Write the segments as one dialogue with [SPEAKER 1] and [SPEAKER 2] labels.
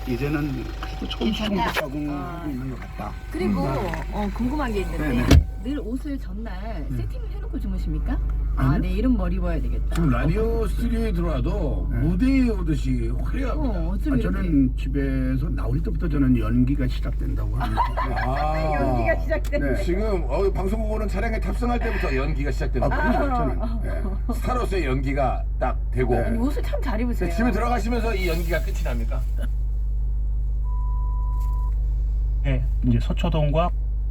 [SPEAKER 1] 이제는 그래도 조금씩 적응하고 있는 것 같다.
[SPEAKER 2] 그리고 궁금한 게 있는데
[SPEAKER 1] 네네.
[SPEAKER 2] 늘 옷을 전날 세팅을 해놓고 주무십니까?
[SPEAKER 1] 아니요.
[SPEAKER 2] 내일은 뭐 입어야 되겠다.
[SPEAKER 3] 지금 라디오 스튜디오에 들어와도
[SPEAKER 1] 네.
[SPEAKER 3] 무대에 오듯이 화려합니다.
[SPEAKER 2] 어쩜 이렇게
[SPEAKER 1] 저는 집에서 나올 때부터 저는 연기가 시작된다고 합니다.
[SPEAKER 2] 연기가 시작되는
[SPEAKER 1] 네.
[SPEAKER 3] 지금 방송국 오는 차량에 탑승할 때부터 연기가 시작되는 거예요.
[SPEAKER 1] 그럼요, 저는. 네.
[SPEAKER 3] 스타로서의 연기가 딱 되고
[SPEAKER 1] 네.
[SPEAKER 2] 옷을 참 잘 입으세요.
[SPEAKER 3] 집에 들어가시면서 이 연기가 끝이 납니까?
[SPEAKER 4] 네, 이제 서초동과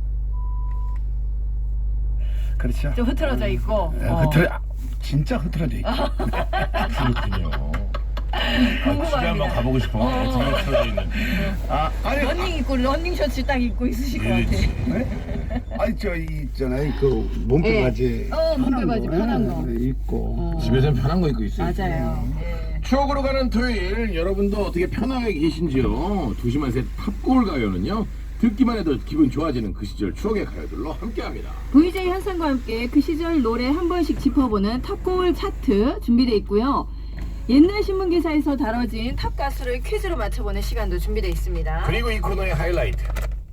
[SPEAKER 1] 그렇죠.
[SPEAKER 2] 좀 흐트러져 있고.
[SPEAKER 1] 진짜 흐트러져 있죠.
[SPEAKER 4] 그렇군요. 집에
[SPEAKER 2] 궁금합니다.
[SPEAKER 4] 한번 가보고 싶어. 어떻게 틀어져 있는지.
[SPEAKER 1] 아니,
[SPEAKER 2] 러닝 입고 러닝 셔츠 딱 입고 있으실 것 같아.
[SPEAKER 1] 네? 아니 저 있잖아요. 그 몸빼 바지.
[SPEAKER 2] 몸빼 바지 편한 거.
[SPEAKER 1] 입고.
[SPEAKER 3] 집에서는 편한 거 입고 있어요.
[SPEAKER 2] 맞아요.
[SPEAKER 3] 추억으로 가는 토요일 여러분도 어떻게 편하게 계신지요? 두시만세 탑골 가요는요 듣기만 해도 기분 좋아지는 그 시절 추억의 가요들로 함께합니다.
[SPEAKER 2] VJ 현상과 함께 그 시절 노래 한 번씩 짚어보는 탑골 차트 준비되어 있고요. 옛날 신문 기사에서 다뤄진 탑 가수를 퀴즈로 맞춰보는 시간도 준비되어 있습니다.
[SPEAKER 3] 그리고 이 코너의 하이라이트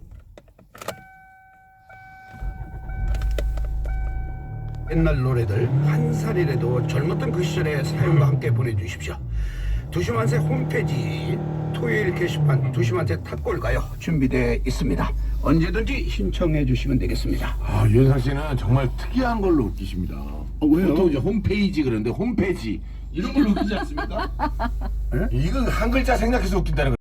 [SPEAKER 1] 옛날 노래들 한 살이라도 젊었던 그 시절의 사연과 함께 보내주십시오. 두시만세 홈페이지 토요일 게시판 두시만세 탑골 가요 준비되어 있습니다. 언제든지 신청해 주시면 되겠습니다.
[SPEAKER 3] 유현상 씨는 정말 특이한 걸로 웃기십니다.
[SPEAKER 1] 왜요?
[SPEAKER 3] 보통 이제 홈페이지 그러는데 홈페이지 이런 걸로 웃기지 않습니까? 이거 한 글자 생략해서 웃긴다는 거.